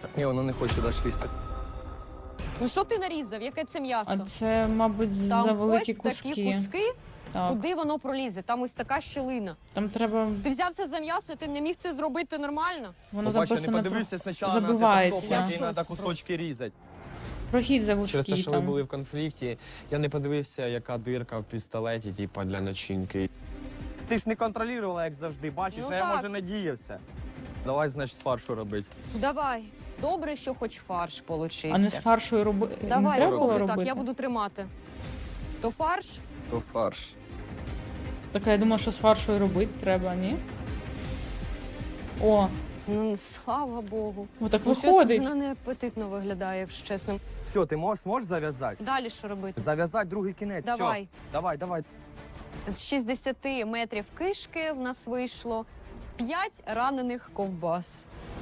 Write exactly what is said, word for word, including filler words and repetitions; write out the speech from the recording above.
Ні, воно не хоче далі лізти. Ну що ти нарізав? Яке це м'ясо? А це, мабуть, за Там великі ось куски. такі куски, Так. куди воно пролізе? Там ось така щілина. Там треба, Ти взявся за м'ясо, ти не міг це зробити нормально? воно Побачиш, я не записано про... подивився спочатку забивається. на те, Я в треба шоці кусочки різати. прохід за Через те, вузький що ви там. були в конфлікті, я не подивився, яка дирка в пістолеті, типа, для начинки. Ти ж не контролювала, як завжди. Бачиш, Ну а я, так. може, надіявся. Давай, значить, з фаршу робити. Давай. Добре, що хоч фарш получився. А не з фаршою роби... не Давай, треба було роби робити? так, я буду тримати. То фарш? То фарш. Так, я думала, що з фаршою робити треба, ні? О, Ну, слава Богу. отак Ну, щось виходить. вона не апетитно виглядає, якщо чесно. Все, ти можеш, зможеш зав'язати? Далі що робити? Зав'язати другий кінець. Давай. Все. Давай, давай. З шістдесят метрів кишки в нас вийшло п'ять ранених ковбас.